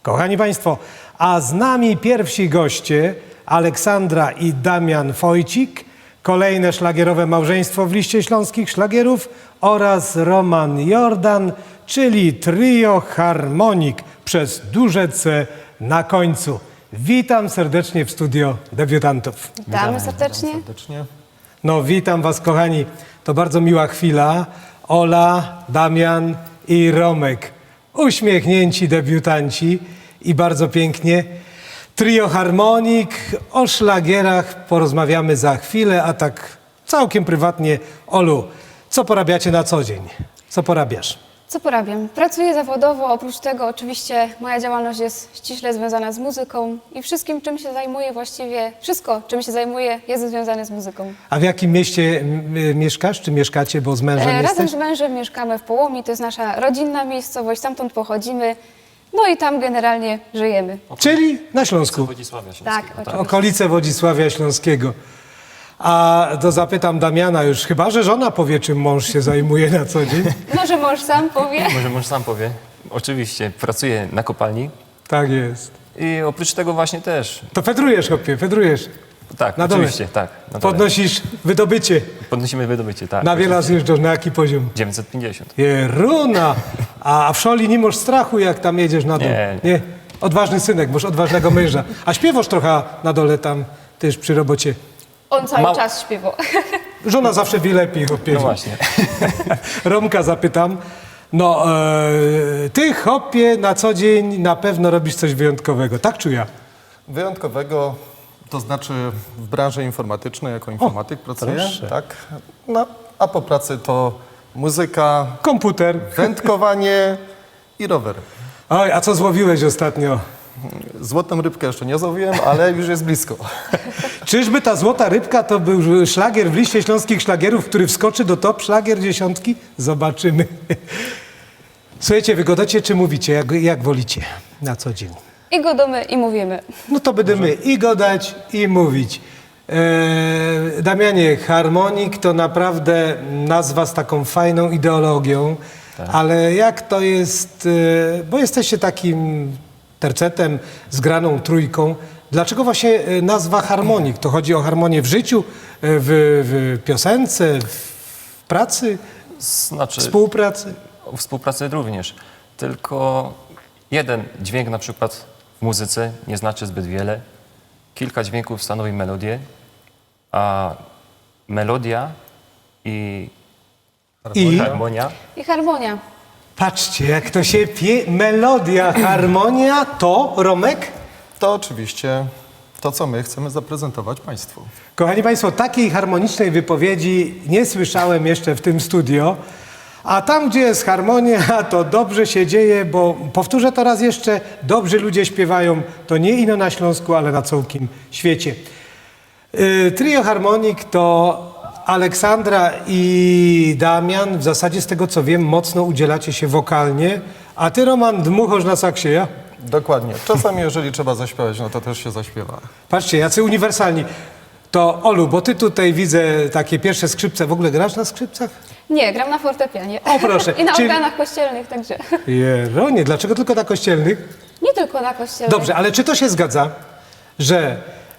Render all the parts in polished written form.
Kochani Państwo, a z nami pierwsi goście Aleksandra i Damian Wojcik, kolejne szlagierowe małżeństwo w liście śląskich szlagierów oraz Roman Jordan, czyli trio Harmonik przez duże C na końcu. Witam serdecznie w studio debiutantów. Witamy serdecznie. No witam Was kochani, to bardzo miła chwila. Ola, Damian i Romek, uśmiechnięci debiutanci i bardzo pięknie. Trio Harmonik, o szlagierach porozmawiamy za chwilę, a tak całkiem prywatnie. Olu, co porabiacie na co dzień? Co porabiasz? Co porabiam? Pracuję zawodowo, oprócz tego oczywiście moja działalność jest ściśle związana z muzyką i wszystkim, czym się zajmuję właściwie, wszystko, czym się zajmuję, jest związane z muzyką. A w jakim mieście mieszkasz, czy mieszkacie, bo z mężem Razem jesteś? z mężem mieszkamy w Połomi, to jest nasza rodzinna miejscowość, stamtąd pochodzimy, no i tam generalnie żyjemy. Czyli na Śląsku, Wodzisławia Śląskiego. Tak, oczywiście. okolice Wodzisławia Śląskiego. A to zapytam Damiana już, chyba że żona powie, czym mąż się zajmuje na co dzień. Może mąż sam powie. Może mąż sam powie. Oczywiście pracuję na kopalni Tak jest. i oprócz tego właśnie też. To fedrujesz, chłopie, fedrujesz. Tak, Na dole. oczywiście, tak. Na dole. Podnosisz wydobycie. Podnosimy wydobycie, tak. Na wiele zjeżdżasz, na jaki poziom? 950. Jeruna! A w szoli nie masz strachu, jak tam jedziesz na dół? Nie. Odważny synek, masz odważnego męża. A śpiewasz trochę na dole tam też przy robocie. On cały czas śpiewał. Żona zawsze wie lepiej, chłopie. No właśnie. Romka zapytam. No, ty, chłopie, na co dzień na pewno robisz coś wyjątkowego. Tak czy ja? Wyjątkowego, to znaczy w branży informatycznej, jako informatyk pracuję, proszę. tak? No, a po pracy to muzyka, Komputer. wędkowanie i rower. Oj, a co złowiłeś ostatnio? Złotą rybkę jeszcze nie złowiłem, ale już jest blisko. Czyżby ta złota rybka to był szlagier w liście śląskich szlagierów, który wskoczy do top szlagier dziesiątki? Zobaczymy. Słuchajcie, wygodacie czy mówicie? Jak wolicie na co dzień? I godomy i mówimy. No to będziemy i gadać, i mówić. Damianie, Harmonik to naprawdę nazwa z taką fajną ideologią, ale jak to jest, bo jesteście takim tercetem, zgraną trójką, dlaczego właśnie nazwa Harmonik? To chodzi o harmonię w życiu, w piosence, w pracy, Znaczy, współpracy? o współpracy również. Tylko jeden dźwięk na przykład w muzyce nie znaczy zbyt wiele. Kilka dźwięków stanowi melodię, a melodia i I harmonia I harmonia. patrzcie, jak to się melodia, harmonia, to Romek? To oczywiście to, co my chcemy zaprezentować Państwu. Kochani Państwo, takiej harmonicznej wypowiedzi nie słyszałem jeszcze w tym studio, a tam, gdzie jest harmonia, to dobrze się dzieje, bo powtórzę to raz jeszcze, dobrzy ludzie śpiewają, to nie ino na Śląsku, ale na całym świecie. Trio Harmonik to Aleksandra i Damian, w zasadzie z tego co wiem, mocno udzielacie się wokalnie, a ty, Roman, dmuchasz na saksie, ja? Dokładnie. Czasami, jeżeli trzeba zaśpiewać, no to też się zaśpiewa. Patrzcie, jacy uniwersalni. To Olu, bo ty tutaj widzę takie pierwsze skrzypce. W ogóle grasz na skrzypcach? Nie, gram na fortepianie. O, proszę. I na Czyli- organach kościelnych także. Jeronie, dlaczego tylko na kościelnych? Nie tylko na kościelnych. Dobrze, ale czy to się zgadza, że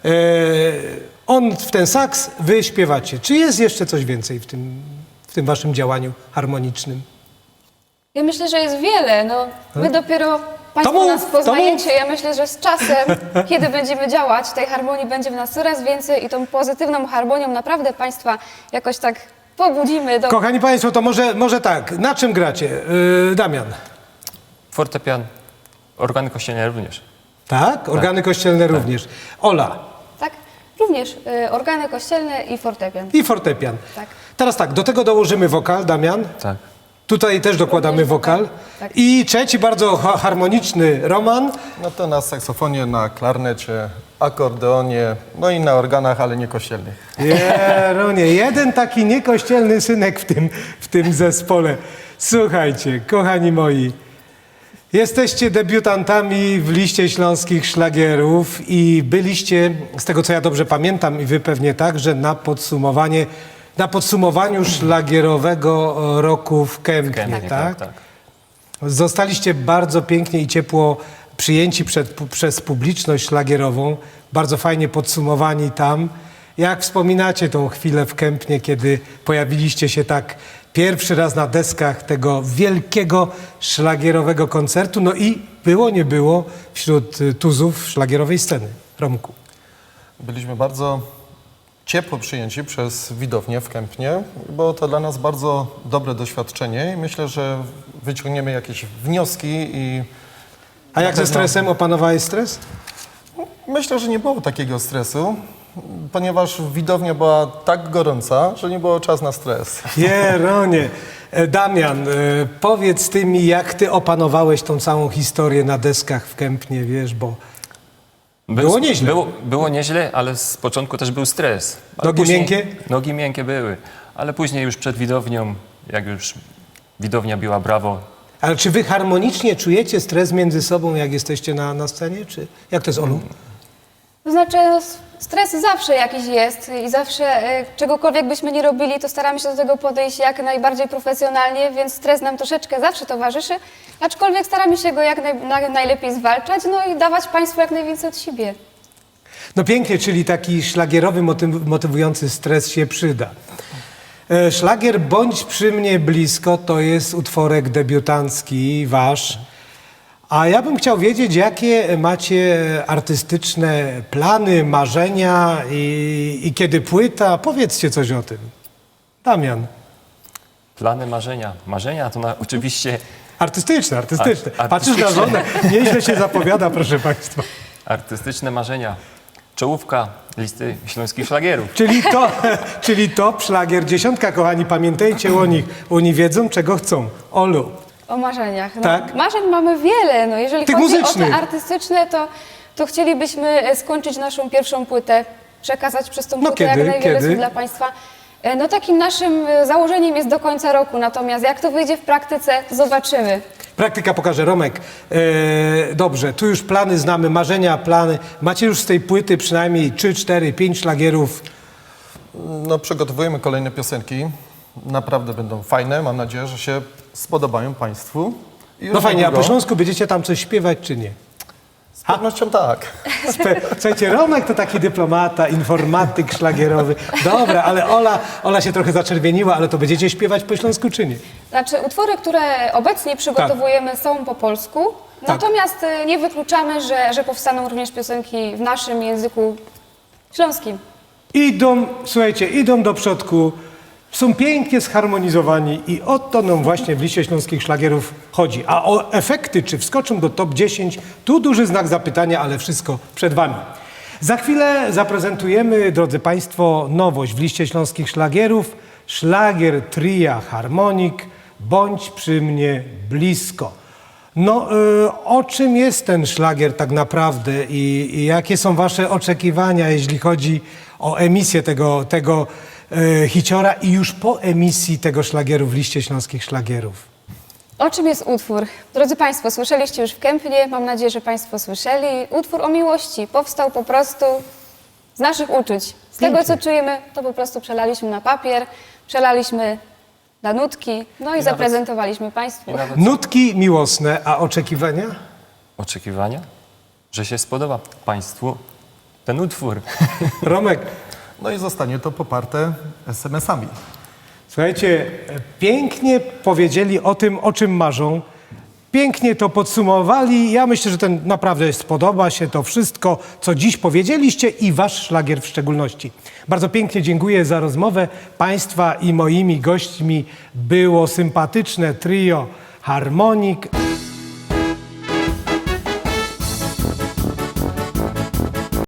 on w ten saks, wy śpiewacie? Czy jest jeszcze coś więcej w tym waszym działaniu harmonicznym? Ja myślę, że jest wiele. No, my dopiero Państwo mów, nas to poznajecie. Ja myślę, że z czasem, kiedy będziemy działać, tej harmonii będzie w nas coraz więcej i tą pozytywną harmonią naprawdę Państwa jakoś tak pobudzimy do... Kochani Państwo, to może tak, na czym gracie? Damian, fortepian, organy kościelne również. tak? Organy kościelne również. Ola Tak? Również organy kościelne i fortepian. i fortepian. Tak. Teraz tak, do tego dołożymy wokal, Damian. Tak. Tutaj też dokładamy Również wokal. wokal, tak. I trzeci bardzo harmoniczny Roman. No to na saksofonie, na klarnecie, akordeonie, no i na organach, ale nie kościelnych. Jeronie, jeden taki niekościelny synek w tym zespole. Słuchajcie, kochani moi, jesteście debiutantami w liście śląskich szlagierów i byliście, z tego co ja dobrze pamiętam i wy pewnie także, na podsumowaniu szlagierowego roku w Kępnie, Kępnie, tak? tak. Zostaliście bardzo pięknie i ciepło przyjęci przez publiczność szlagierową, bardzo fajnie podsumowani tam. Jak wspominacie tą chwilę w Kępnie, kiedy pojawiliście się tak pierwszy raz na deskach tego wielkiego szlagierowego koncertu, no i było, nie było wśród tuzów szlagierowej sceny. Romku. Byliśmy bardzo ciepło przyjęci przez widownię w Kępnie, było to dla nas bardzo dobre doświadczenie i myślę, że wyciągniemy jakieś wnioski i A jak ze stresem? Opanowałeś stres? myślę, że nie było takiego stresu, ponieważ widownia była tak gorąca, że nie było czas na stres. Jeronie. Damian, powiedz ty mi, jak ty opanowałeś tą całą historię na deskach w Kępnie, wiesz, bo było nieźle. Było nieźle, ale z początku też był stres. Ale Nogi miękkie? Nogi miękkie były, ale później już przed widownią, jak już widownia biła brawo, Ale czy wy harmonicznie czujecie stres między sobą, jak jesteście na scenie, czy jak to jest, Olu? To znaczy, no, stres zawsze jakiś jest i zawsze czegokolwiek byśmy nie robili, to staramy się do tego podejść jak najbardziej profesjonalnie, więc stres nam troszeczkę zawsze towarzyszy, aczkolwiek staramy się go jak najlepiej zwalczać, no i dawać Państwu jak najwięcej od siebie. No pięknie, czyli taki szlagierowy, motywujący stres się przyda. Szlagier Bądź przy mnie blisko to jest utworek debiutancki wasz. A ja bym chciał wiedzieć, jakie macie artystyczne plany, marzenia i kiedy płyta. Powiedzcie coś o tym. Damian. plany, marzenia. Marzenia to oczywiście Artystyczne. Patrzysz na Artystyczne. żonę, nieźle się zapowiada, proszę państwa. artystyczne marzenia. Czołówka listy śląskich szlagierów. Czyli top szlagier dziesiątka, kochani, pamiętajcie o nich. Oni wiedzą, czego chcą. Olu. O marzeniach. No, Tak? Marzeń mamy wiele. No, jeżeli Tych chodzi muzycznych. o te artystyczne, to chcielibyśmy skończyć naszą pierwszą płytę, przekazać przez tą No płytę kiedy? jak najwiele Kiedy? słów dla Państwa. No takim naszym założeniem jest do końca roku, natomiast jak to wyjdzie w praktyce, zobaczymy. Praktyka pokaże. Romek, dobrze, tu już plany znamy, marzenia, plany. Macie już z tej płyty przynajmniej 3, 4, 5 szlagierów. No, przygotowujemy kolejne piosenki, naprawdę będą fajne, mam nadzieję, że się spodobają Państwu. I już No fajnie, a niedługo- po śląsku będziecie tam coś śpiewać, czy nie? Z pewnością tak. Słuchajcie, Romek to taki dyplomata, informatyk szlagierowy. Dobra, ale Ola się trochę zaczerwieniła, ale to będziecie śpiewać po śląsku, czy nie? Znaczy utwory, które obecnie przygotowujemy są po polsku, Tak. natomiast nie wykluczamy, że powstaną również piosenki w naszym języku śląskim. Słuchajcie, idą do przodku, są pięknie zharmonizowani i o to nam właśnie w liście śląskich szlagierów chodzi. A o efekty, czy wskoczą do top 10, tu duży znak zapytania, ale wszystko przed wami. Za chwilę zaprezentujemy, drodzy Państwo, nowość w liście śląskich szlagierów. Szlagier tria Harmonik, Bądź przy mnie blisko. No, o czym jest ten szlagier tak naprawdę i jakie są wasze oczekiwania, jeśli chodzi o emisję tego hiciora i już po emisji tego szlagieru w liście śląskich szlagierów? O czym jest utwór? Drodzy Państwo, słyszeliście już w Kępnie, mam nadzieję, że Państwo słyszeli. Utwór o miłości powstał po prostu z naszych uczuć. Z tego, co czujemy, to po prostu przelaliśmy na papier, przelaliśmy na nutki, no i zaprezentowaliśmy Państwu. I nawet Nutki miłosne, a oczekiwania? oczekiwania, że się spodoba Państwu ten utwór. Romek, No i zostanie to poparte SMS-ami. słuchajcie, pięknie powiedzieli o tym, o czym marzą. Pięknie to podsumowali. Ja myślę, że ten naprawdę spodoba się to wszystko, co dziś powiedzieliście i wasz szlagier w szczególności. Bardzo pięknie dziękuję za rozmowę. Państwa i moimi gośćmi było sympatyczne trio Harmonik.